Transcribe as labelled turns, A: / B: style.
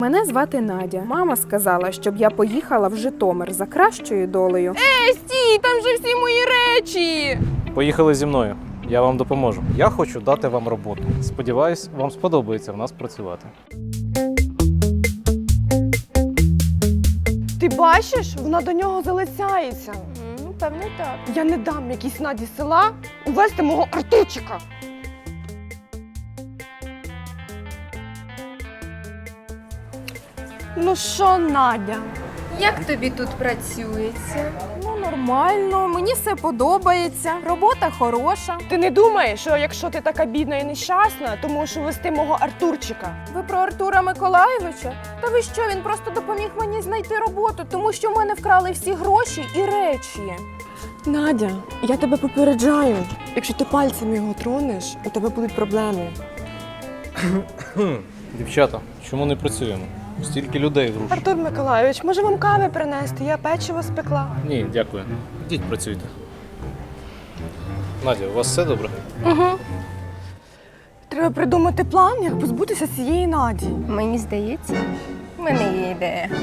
A: Мене звати Надя. Мама сказала, щоб я поїхала в Житомир за кращою долею.
B: Стій, там же всі мої речі!
C: Поїхали зі мною. Я вам допоможу. Я хочу дати вам роботу. Сподіваюсь, вам сподобається в нас працювати.
B: Ти бачиш, вона до нього залицяється.
D: Ну, певно, так.
B: Я не дам якійсь Наді з села увести мого Артурчика. Ну що, Надя?
D: Як тобі тут працюється?
A: Ну, нормально, мені все подобається, робота хороша.
B: Ти не думаєш, що якщо ти така бідна і нещасна, то можеш увести мого Артурчика?
A: Ви про Артура Миколайовича? Та ви що, він просто допоміг мені знайти роботу, тому що в мене вкрали всі гроші і речі.
B: Надя, я тебе попереджаю. Якщо ти пальцем його тронеш, у тебе будуть проблеми.
C: Дівчата, чому не працюємо? Стільки людей в руші.
B: Артур Миколайович, може вам кави принести? Я печиво спекла.
C: Ні, дякую. Ідіть працюйте. Надя, у вас все добре?
B: Треба придумати план, як позбутися цієї Наді.
D: Мені здається, в мене є ідея.